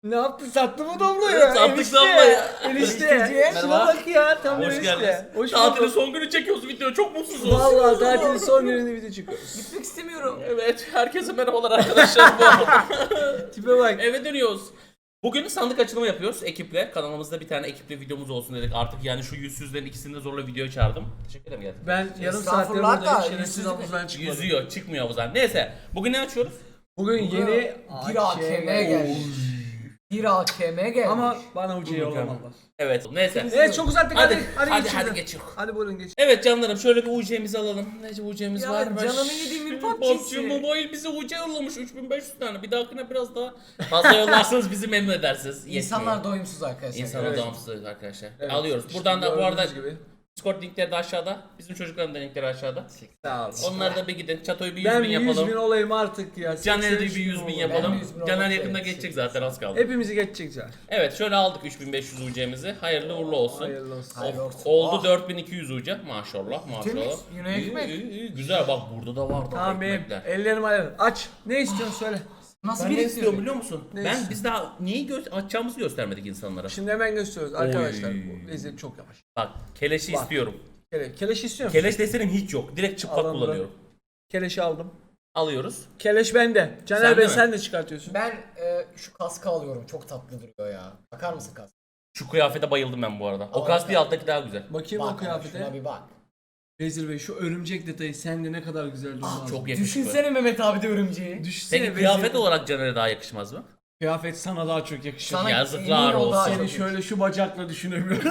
Ne yaptın? Sattı mı Doblo'yu? Evet, sattık Doblo'yu. Enişte. Şuna Merhaba. bak ya. Tam Hoş enişte. geldiniz. Hoş Tatilin bulduk. son günü çekiyoruz video. Çok mutsuzuz. Vallahi tatilin son gününde video çıkıyoruz. Gitmek istemiyorum. Evet, herkese merhabalar arkadaşlar. Bu arada Tipe bak. eve dönüyoruz. Bugün sandık açılımı yapıyoruz ekiple. Kanalımızda bir tane ekiple videomuz olsun dedik. Artık yani şu yüzsüzlerin ikisini de zorla videoya çağırdım. Teşekkür ederim gerçekten. Ben yarım saattir Estağfurullah buradayım. da, Şerefsiz yüzsüz havuzdan çıkmadım. Yüzüyor, çıkmıyor havuzdan. Neyse, bugün ne açıyoruz? Bugün yeni Bir AKM geldi. Bir AKM geldi. Ama bana ucuya yollamadılar. Evet, neyse. Evet çok uzattık Hadi, hadi. hadi, geçelim. hadi geçiyor. Hadi buyurun geç. Evet canlarım, şöyle bir UC'mizi alalım. Nece UC'miz Ya varmış. canımı yediğim bir PUBG PUBG'si. Mobile bize UC yollamış 3500 tane. Bir dahakine biraz daha fazla yollarsanız bizi memnun edersiniz. İnsanlar doyumsuz arkadaşlar. İnsanlar Evet. bağımsız arkadaşlar. Evet. Alıyoruz. İşte Buradan da bu arada gördüğünüz gibi. Discord linkleri de aşağıda. Bizim çocukların da linkleri aşağıda. Sağ ol. Onlar da bir gidin. Çatoyu bir 100 Ben bin 100 yapalım. bin olayım artık ya. Caner'e de 83 bir 100 bin olayım. yapalım. Ben 100 bin Caner olmak yakında üzere. geçecek zaten, az kaldı. Hepimizi geçecek Caner. Evet, şöyle aldık 3500 UC'mizi. Hayırlı uğurlu olsun. Hayırlı olsun. Hayırlı olsun. Oldu Ah. 4200 UC. Maşallah maşallah. Temiz, yine İyi, ekmek. iyi, iyi. Güzel, bak burada da var daha Tamam benim ekmekler. ellerim ayarım. Aç. Ne istiyorsun söyle. Nasıl Ben ne biriktiriyor? istiyorum biliyor musun? Ne Ben istiyorsun? biz daha neyi açacağımızı göstermedik insanlara. Şimdi hemen gösteriyoruz arkadaşlar. Oy. Bu lezzet çok yavaş. Bak, keleşi Bak. istiyorum. Keleş istiyor musun? Keleş desenim hiç yok. Direkt çıplak Alındı. kullanıyorum. Keleşi aldım. Alıyoruz. Keleş bende. Caner Sende Bey mi? sen de çıkartıyorsun. Ben şu kaskı alıyorum. Çok tatlı duruyor ya. Bakar mısın kask? Şu kıyafete bayıldım ben bu arada. O Aa, kask değil, evet. alttaki daha güzel. Bakayım o Bak, kıyafete. şuna bir bak. Vezir Bey şu örümcek detayı sende ne kadar güzel durmaz. Çok yakışıklı. Düşünsene Mehmet abi de örümceği. Düşünsene Peki Vezir kıyafet Bey. olarak Caner'e daha yakışmaz mı? Kıyafet sana daha çok yakışır. Sana Yazıklar emin ol daha olsun. çok Seni şöyle şu bacakla düşünemiyorum.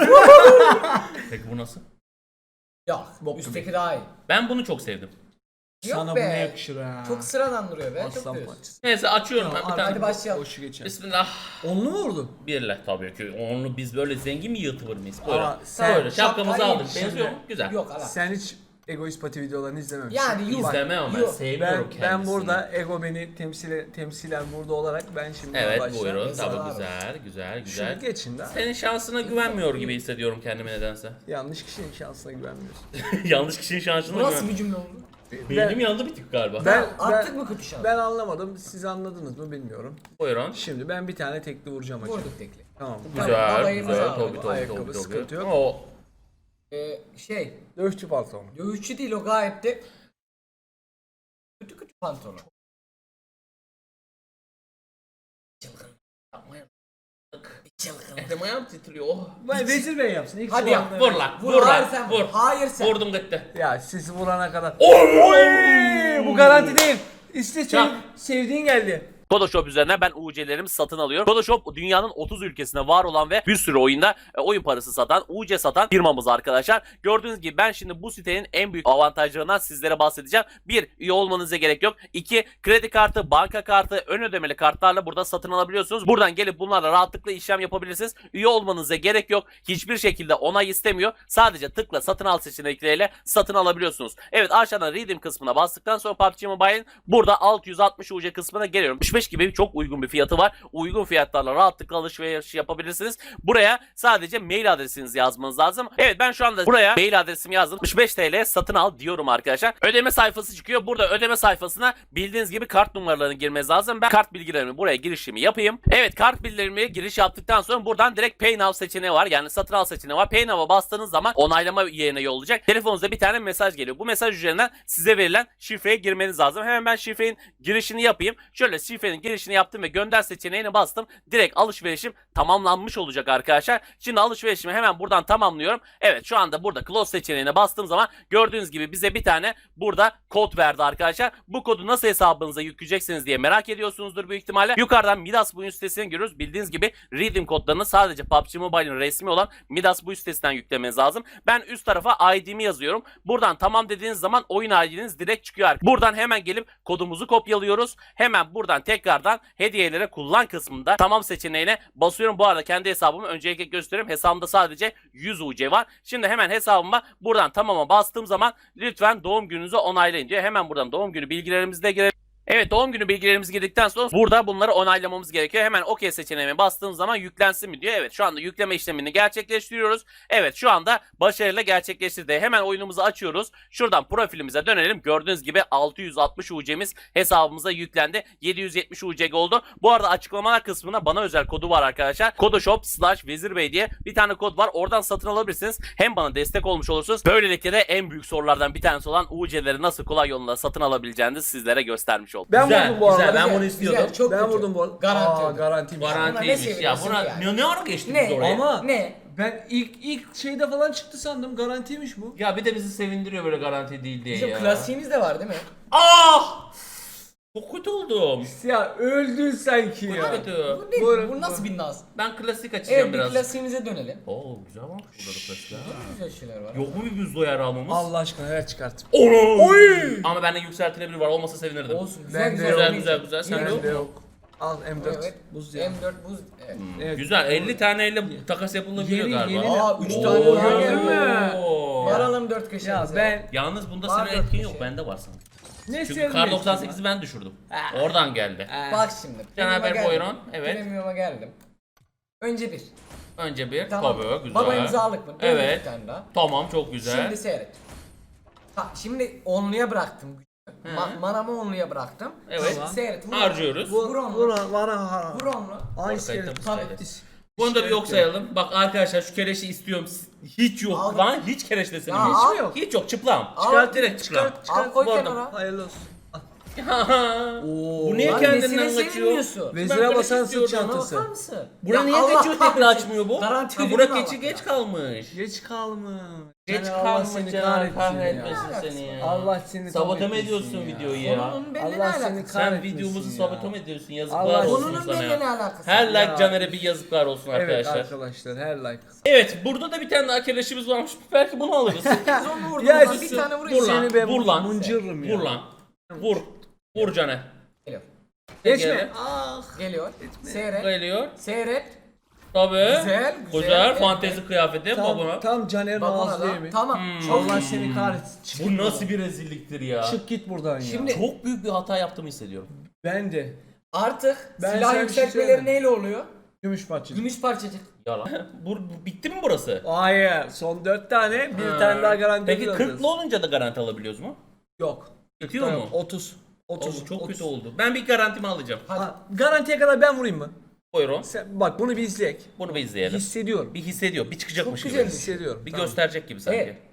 Peki bu nasıl? Yok. Bok Üstteki daha iyi. Ben bunu çok sevdim. Yok Sana be. bu ne yakışır ha. Çok sıradan duruyor be. Çok Aslan diyorsun. parçası. Neyse açıyorum ben bir Tamam, tane. Hadi başlayalım. Boşu geçer. Bismillah. Onlu mu vurdun? Birle tabii ki. Onlu biz böyle zengin mi yırtıvır mıyız? Buyurun. Ama sen- Böyle şapkamızı şapkayı aldık. yemiş Benziyor mu? şimdi. Güzel. Yok ala. Sen hiç egoist pati videolarını izlememişsin. Yani yuh. İzlemem ama ben Yok. sevmiyorum Ben kendisini. burada ego beni temsilen burada olarak ben şimdi Evet başlayayım. buyurun. Yazıklar Tabii olsun. güzel güzel Şunu güzel. geçin de. Senin şansına güvenmiyor gibi hissediyorum kendimi nedense. Yanlış kişinin şansına güvenmiyorsun. Yanlış kişinin şansına Bu nasıl bir güven. cümle oldu? Benim yanında bir tık galiba. Attık mı kötü şans? Ben anlamadım. Siz anladınız mı bilmiyorum. Buyurun. Şimdi ben bir tane tekli vuracağım hacı. Vurduk tekli. Tamam. Güzel babayımızı güzel. alalım. Tabii tabii Ayakkabı, tabii. sıkıntı yok. O Dövüşçü pantolon. Dövüşçü değil o gayet de kötü kötü pantolon. Çılgın. yapmayın. Çılgın. Elim ayağım titriyor. Oh. Vay Vezir Bey yapsın. İlk Hadi şu yap, anda- Vur lan. Vur, Vur hayır lan. sen Vur. vur. Hayır sen. Vurdum gitti. Ya siz vurana kadar. Oy! Bu garanti değil. İşte Çak. senin sevdiğin geldi. Photoshop üzerinden ben UC'lerimi satın alıyorum. Photoshop dünyanın 30 ülkesinde var olan ve bir sürü oyunda oyun parası satan, UC satan firmamız arkadaşlar. Gördüğünüz gibi ben şimdi bu sitenin en büyük avantajlarından sizlere bahsedeceğim. 1. Üye olmanıza gerek yok. 2. Kredi kartı, banka kartı, ön ödemeli kartlarla burada satın alabiliyorsunuz. Buradan gelip bunlarla rahatlıkla işlem yapabilirsiniz. Üye olmanıza gerek yok. Hiçbir şekilde onay istemiyor. Sadece tıkla satın al seçenekleriyle satın alabiliyorsunuz. Evet, aşağıdan Redeem kısmına bastıktan sonra PUBG Mobile'in burada 660 UC kısmına geliyorum. 65 gibi çok uygun bir fiyatı var. Uygun fiyatlarla rahatlıkla alışveriş yapabilirsiniz. Buraya sadece mail adresinizi yazmanız lazım. Evet, ben şu anda buraya mail adresimi yazdım. 65 TL satın al diyorum arkadaşlar. Ödeme sayfası çıkıyor. Burada ödeme sayfasına bildiğiniz gibi kart numaralarını girmeniz lazım. Ben kart bilgilerimi buraya girişimi yapayım. Evet, kart bilgilerimi giriş yaptıktan sonra buradan direkt Pay Now seçeneği var. Yani satın al seçeneği var. Pay Now'a bastığınız zaman onaylama yerine yollayacak. Telefonunuza bir tane mesaj geliyor. Bu mesaj üzerinden size verilen şifreye girmeniz lazım. Hemen ben şifrenin girişini yapayım. Şöyle şifrenin girişini yaptım ve gönder seçeneğine bastım. Direkt alışverişim tamamlanmış olacak arkadaşlar. Şimdi alışverişimi hemen buradan tamamlıyorum. Evet, şu anda burada close seçeneğine bastığım zaman gördüğünüz gibi bize bir tane burada kod verdi arkadaşlar. Bu kodu nasıl hesabınıza yükleyeceksiniz diye merak ediyorsunuzdur büyük ihtimalle. Yukarıdan Midas Buyun sitesine giriyoruz. Bildiğiniz gibi Redeem kodlarını sadece PUBG Mobile'in resmi olan Midas Buyun sitesinden yüklemeniz lazım. Ben üst tarafa ID'mi yazıyorum. Buradan tamam dediğiniz zaman oyun ID'niz direkt çıkıyor. Buradan hemen gelip kodumuzu kopyalıyoruz. Hemen buradan tekrardan hediyelere kullan kısmında tamam seçeneğine basıyorum. Bu arada kendi hesabımı öncelikle gösteriyorum. Hesabımda sadece 100 UC var. Şimdi hemen hesabıma buradan tamama bastığım zaman lütfen doğum gününüzü onaylayın diyor. Hemen buradan doğum günü bilgilerimizi de girelim. Evet, doğum günü bilgilerimizi girdikten sonra burada bunları onaylamamız gerekiyor. Hemen OK seçeneğine bastığım zaman yüklensin mi diyor. Evet, şu anda yükleme işlemini gerçekleştiriyoruz. Evet, şu anda başarıyla gerçekleştirdi. Hemen oyunumuzu açıyoruz. Şuradan profilimize dönelim. Gördüğünüz gibi 660 UC'miz hesabımıza yüklendi. 770 UC oldu. Bu arada açıklamalar kısmına bana özel kodu var arkadaşlar. Kodoshop/Vezirbey diye bir tane kod var. Oradan satın alabilirsiniz. Hem bana destek olmuş olursunuz. Böylelikle de en büyük sorulardan bir tanesi olan UC'leri nasıl kolay yolunda satın alabileceğinizi sizlere göstermiş oldum. Ben Güzel, vurdum bu arada. güzel. Ben bunu istiyordum. Güzel, çok Ben kötü. vurdum bu arada. Garanti. Garantiymiş. Garantiymiş ya. seviyorsun Buna yani? ne ara geçtik Ne? biz oraya? Ama Ne? ben ilk şeyde falan çıktı sandım. Garantiymiş bu. Ya bir de bizi sevindiriyor böyle garanti değil diye Bizim ya. klasiğimiz de var değil mi? Ah! Çok kötü oldum. Ya öldün sanki ya. Kötü. Bu, ne? Buyurun, Bu nasıl bir naz? Ben klasik açacağım Evet, bir biraz. klasiğimize dönelim. Oo güzel varmış burada da klasik ha. Güzel şeyler var. Yok mu bir buzlu yer almamız? Allah aşkına ver çıkart. Oy! Ama bende yükseltilebilir var olmasa sevinirdim. Olsun. Ben Güzel de güzel. Güzel, güzel. Sen Yine- yok. Bende yok. Al M4. Evet. Buz ya. M4 buz. Evet. Evet. Güzel 50 taneyle takas yapılabiliyor Yeni- galiba. yeni- Aa 3 Oo, tane daha gördün geldi. mü? Oo. Varalım 4 Ya köşemize. ben Yalnız bunda Var senin dört etkin kişi. yok bende var sanki. ne Çünkü sevdim Kar işte 98'i ben düşürdüm. Oradan geldi. Bak şimdi. Caner Bey, Premium'a buyurun. geldim. Evet. Premium'a geldim. Önce bir. Önce bir Tamam. tabii güzel. Baba imzalık mı? Dön Evet. Bir tane daha. Tamam çok güzel. Şimdi seyret. Şimdi onluya bıraktım. Manamı onluya bıraktım. Evet. Şimdi seyret. Vur. Harcıyoruz. Vur onlu. Vur onlu. Aynı Ortaya şey. tabii. Tabii. Bunu da bir yok sayalım. Bak arkadaşlar şu keleşi istiyorum. Hiç yok Al. lan. Hiç keleş deseni Ya yok. al. Hiç mi yok? Hiç yok çıplam. Al. Çıkart direkt çıplam. Al koy Bu arada- kenara. Hayırlı olsun. Bu niye Lan kendinden nesine kaçıyor? sevinmiyorsun? Vezire böyle basan sırt istiyordum. çantası. Bakar mısın? Bura Ya niye Allah geçiyor tekrar kahretsin. açmıyor bu? Garanti Ha, ödülüm Burak var geçi bak geç ya. kalmış. Geç kalmış. Geç Caner, Allah kalmış seni Caner kahretsin ya. kahretmesin seni ya. Allah seni Sabote mi kahretmesin ediyorsun ya. videoyu ya? Konunun benimle ne Allah seni alakası? Sen kahretmesin videomuzu ya. sabote mi ediyorsun? Yazıklar Allah- olsun Konunun sana benimle ne ya. alakası? Her like Ya. Caner'e bir yazıklar olsun Evet arkadaşlar. arkadaşlar her like. Evet burada da bir tane daha keleşimiz varmış. Belki bunu alırız. Biz onu vurduk. Ya Ulan bir sus. tane Vur vurayım. lan. Seni ben Vur lan. mıncırırım ya. Vur lan. Vur. Vur Caner. Geliyor. Geçme. Gel. Ah. Geliyor. Seyret. Geliyor. Seyret. Tabii. Güzel, güzel. Güzel. Evet, Fantezi kıyafeti babana. Tam Caner'in Babana ağzı da. değil mi? Tamam. Allah seni kahretsin. Çık Bu git nasıl buradan. bir rezilliktir ya. Çık git buradan ya. Şimdi- Çok büyük bir hata yaptığımı hissediyorum. Ben de. Artık Ben silah sana bir şey yükseltmeleri söyleyeyim. neyle oluyor? Gümüş parçacık. Gümüş parçacık. Yalan. Bitti mi burası? Hayır. Son 4 tane. Bir Ha. tane daha garanti Peki alacağız. 40'lı olunca da garanti alabiliyoruz mu? Yok. Bitiyor mu? 30. 30. Oo, çok 30. kötü oldu. Ben bir garantimi alacağım. Ha, garantiye kadar ben vurayım mı? Buyurun. Sen, bak bunu bir izleyek. Bunu bir izleyelim. Hissediyorum. Bir hissediyor. Bir çıkacakmış Çok gibi. güzel. Hissediyorum. Bir Tamam. gösterecek gibi sanki. Evet.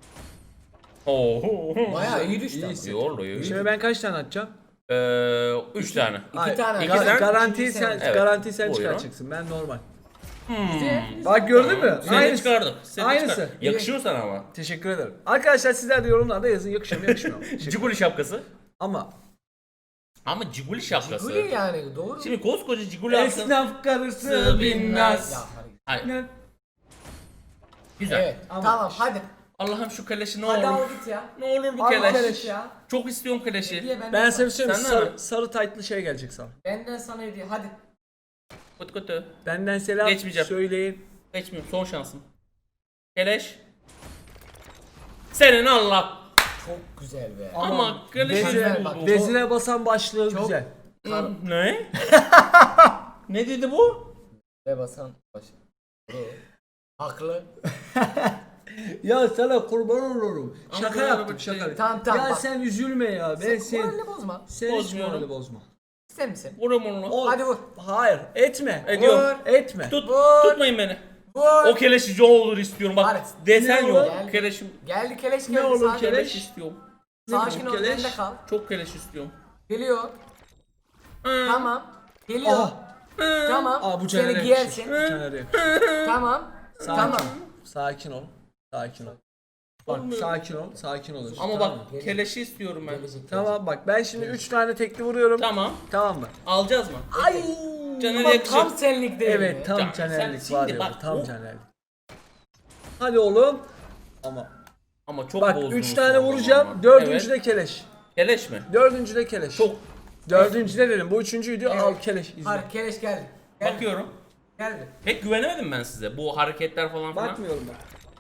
Oo. Bayağı iyi düştü. İyi ama. hissediyorum. Yoruluyor. Şimdi ben kaç tane atacağım? 3 tane. İki tane. İki tane. Garantiyi sen, Evet. garantiyi sen Buyurun. çıkartacaksın. Ben normal. Güzel. Bak gördün mü? Seni Aynısı. çıkardık. Seni Aynısı. çıkardık. Yakışıyor sana ama. Teşekkür ederim. Arkadaşlar sizler de yorumlarda yazın yakışıyor mu yakışmıyor mu? Teşekkür- Ciguli şapkası. Ama Ama Ciguli şapkası. Guli yani doğru. Şimdi koskoca Ciguli alsın. esnaf karısı Sığ binmez. Ya, hadi. Hayır. Güzel. Evet. Tamam hadi. Allah'ım şu keleşi ne Hadi olur. al git ya. Ne olur bu Al keleş. keleş ya. Çok istiyorum keleşi. Hediye benden Ben sana. sana bir şey söyleyeyim mi? Senden Sarı, mi? sarı taytlı şey gelecek sana. Benden sana hediye. Hadi. Kötü kötü. Benden selam Geçmeyeceğim. söyleyin. Geçmiyorum. Son şansım. Keleş. Senin Allah. Çok güzel be. Ama keleşi Vezire, bak, vezire basan başlığı çok- güzel. Ne? Ne dedi bu? Ve basan baş. Haklı. Ya sana kurban olurum. Ama Şaka böyle yaptım bir şey- şaka. Tamam, tamam, Ya bak. sen üzülme ya. Ben Sen moralini bozma. sen hiç Bozmuyorum. morali bozma. İster misin? Vurum onu. Hadi vur. Hayır etme. Ediyorum. Etme. Vur. Tutmayın beni. Vur. O keleşi olur istiyorum. Bak Hadi. desen Ne yok. olur? Keleşim. Geldi keleş geldi. Ne olur sakin. keleş? Keleş istiyorum. Sakin ol. Keleş? Bende kal. Çok keleş istiyorum. Geliyor. Hı. Tamam. Geliyor. Aha. Tamam. Aa bu Seni Caner'e giyersin. yakışır. Caner'e yakışır. Tamam. Sakin Tamam. ol. Sakin ol. Sakin ol. Bak Olmuyor. sakin ol. Sakin ol. Ama tamam bak mı? keleşi istiyorum ben. Gelecek. Tamam bak ben şimdi 3 tane tekli vuruyorum. Tamam. Tamam mı? Alacağız mı? Ay. Caner'e Bak yakışır. tam senlik değil mi? Evet tam Can, Caner'lik sen var şimdi ya. bak, bu, Tam o- Caner'lik. Hadi oğlum. Ama Ama çok bak bozdunuz 3 tane sonra vuracağım. ama. 4. Evet. de keleş. Keleş mi? 4. de keleş. Çok. 4. de dedim. Bu 3.'üydü. Evet. Al keleş izle. Hayır keleş geldi. Geldi. Bakıyorum. Geldi. Pek güvenemedim ben size. Bu hareketler falan filan. Bakmıyorum bak.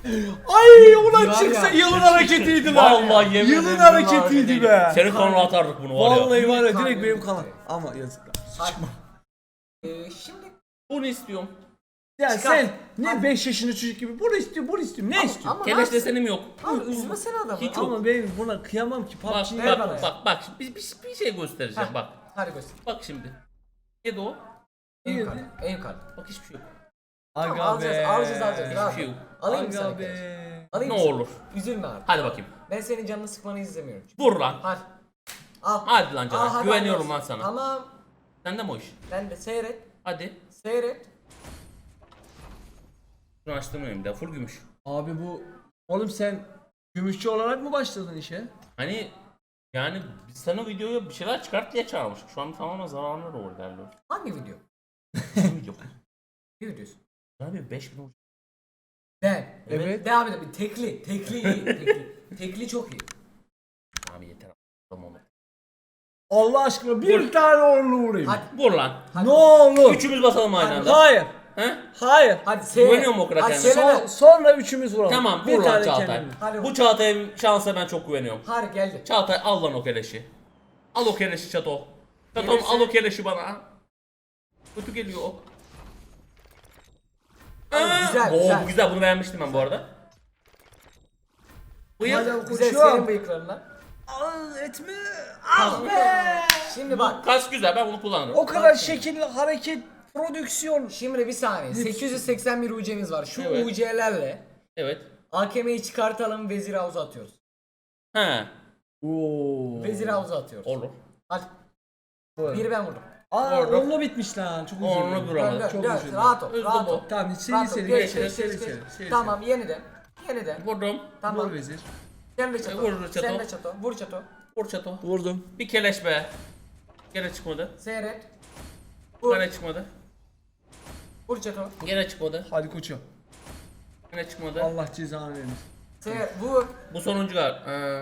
Ay ulan Var çıksa ya. yılın hareketiydi lan. Vallahi yemin Yılın ederim hareketiydi be. Senin kanına atardık bunu var ya. Vallahi var ya direkt Kanka. benim kanal. Ama yazıklar. Hadi. Şimdi Bunu istiyorum. Ya Çıkart. sen ne Hadi. 5 yaşında çocuk gibi bunu istiyorum, bunu istiyorum. Ne istiyorsun? ama Keleş nasıl- desenim yok. Abi üzmesene adamı. Hiç yok. Ama ben buna kıyamam ki. Bak PUBG'yi ver bak bana ya. bak bir şey göstereceğim Heh. bak. Hadi göster. Bak şimdi. Neydi o? En İyi. yukarı. En yukarı. Bak hiçbir şey yok. Tamam, Aga alacağız, be. alacağız. Hiçbir Rahat şey ol. yok. Alayım mı sana Aga keleş? be. Alayım Ne mı sana? olur. Üzülme artık. Hadi bakayım. Ben senin canını sıkmanı izlemiyorum. Vur lan. Hadi. Al. Hadi lan Al, canım. hadi, Güveniyorum hadi. lan sana. Tamam. Sende mi o iş? Ben de seyret. Hadi. Seyret. Şunu açtırmıyorum da full gümüş. Abi bu oğlum sen gümüşçü olarak mı başladın işe? Hani yani biz sana videoya bir şeyler çıkart diye çağırmıştık. Şu an tamamen zararına doğru ilerliyor. Hangi video? Bu video. Ne videosu? Abi 5000 olacak. Ben. Evet. Devam edelim. Tekli. Tekli iyi. Tekli. Tekli çok iyi. Abi yeter. Tamam. Allah aşkına bir tane orlu vurayım. Hadi. Vur lan. Hadi. Ne olur. Üçümüz basalım aynı anda. Hayır. He? Hayır. Hadi seyret. Güveniyor mu o kadar Hadi kendine? söyleme. Sonra üçümüz vuralım. Tamam Bir vur lan tane Çağatay. kendime. Hadi Bu vur. Çağatay'ın şansa ben çok güveniyorum. Hadi geldi. Çağatay al lan o keleşi. Al o keleşi Çato. Çatom Gelirse- al o keleşi bana. Kötü geliyor o. Abi, güzel, Oo, güzel. bu güzel bunu beğenmiştim ben bu arada. Bıyık. Hadi Güzel koçum. senin bıyıklarına. Aa, etme. Tamam. Şimdi bak. Kas güzel ben bunu kullanırım. O kadar şekilli hareket, prodüksiyon. Şimdi bir saniye. 881 UC'miz var. Şu Evet. UC'lerle Evet. AKM'yi çıkartalım, vezir havuza atıyoruz. He. Oo. Vezir havuza atıyoruz. Olur. Hadi. Doğru. Biri ben vurdum. Aa Orada. onunla bitmiş lan. Çok Onunla üzüldüm. duramadı. Dön, Çok dön, üzüldüm. rahat ol, Hızlı rahat bu. ol. Tamam seri Rahat ol, seri geç, seri geç, seri geç, seri. geç. seri. Tamam, yeniden. Yeniden. Vurdum. Tamam. Vur vezir. Sen de çato. Vur çato. Sen de çato. Vur çato. Vur Çato. Vurdum. Bir keleş be. Gene çıkmadı. Seyret. Vur. Gene çıkmadı. Vur çato. Gene çıkmadı. Hadi koçum. Gene çıkmadı. Allah cezanı vermesin. Seyret. Vur. Bu sonuncu gal.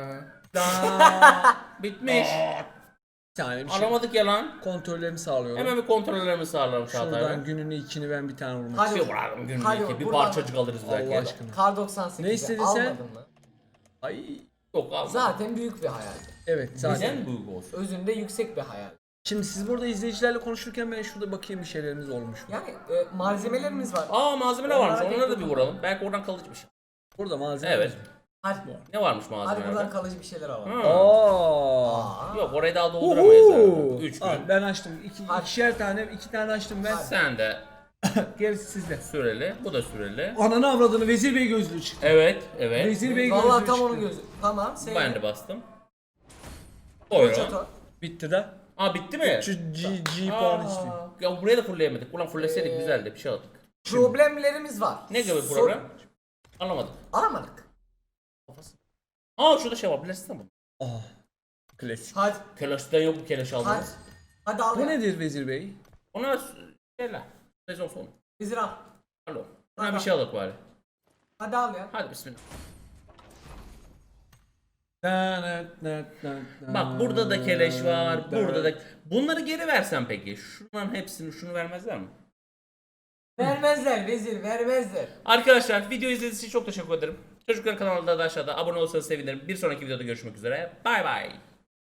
Daha Bitmiş. bir tane bir şey. Alamadık ya lan. Kontrollerimi sağlıyorum. Hemen bir kontrollerimi sağlarım Çağatay'la. Şuradan gününü ikini ben bir tane vurmak Hadi. Bir şey vuralım günlük Hadi iki. Bir buradan- parçacık alırız belki. Allah aşkına. Kar 98'i Ne istedin sen? almadın mı? Ay. Yok alma. Zaten büyük bir hayal. Evet zaten. Neden büyük olsun? Özünde yüksek bir hayal. Şimdi siz burada izleyicilerle konuşurken ben şurada bakayım bir şeylerimiz olmuş mu? Yani malzemelerimiz var. Aa malzemeler varmış. Onlara Onlara da tek bir vuralım. Belki oradan kalıcı bir şey. Burada malzeme. Evet. Hadi. Ne varmış Hadi buradan malzemelerde? kalıcı bir şeyler alalım. Hı. Aa. Yok orayı daha dolduramayız Uhu. herhalde. 3 gün. Aa, ben açtım. Hadi. İkişer tane, iki tane açtım ben. Hadi. Sen de Gerisi sizde. süreli. Bu da süreli. Ananı avradını Vezir Bey gözlüğü çıktı. Evet. Evet. Vezir Bey gözlüğü Vallahi çıktı. tam onun gözü. Tamam. Seyret. Ben de bastım. Vur Buyurun. çato. Bitti de. Aa bitti mi? Şu G puan içti. Ya buraya da fullleyemedik. Ulan fulleseydik güzeldi. Bir şey aldık. Problemlerimiz var. Ne gibi Sor- problem? Anlamadım. Alamadık. Aa şurada şey var. Bilirsin mi? Ah. Klasik. Hadi. Kelaş'tan yok mu keleş Hadi. aldınız? Hadi al Bu ya. nedir Vezir Bey? Ona şeyler. Sezon sonu. Vezir al. Alo. Buna Hadi. bir şey alalım bari. Hadi al ya. Hadi bismillah. Bak burada da keleş var. Burada da. Bunları geri versen peki. Şunların hepsini şunu vermezler mi? Vermezler vezir vermezler. Arkadaşlar video izlediğiniz için çok teşekkür ederim. Çocukların kanalında da aşağıda abone olursanız sevinirim. Bir sonraki videoda görüşmek üzere. Bay bay.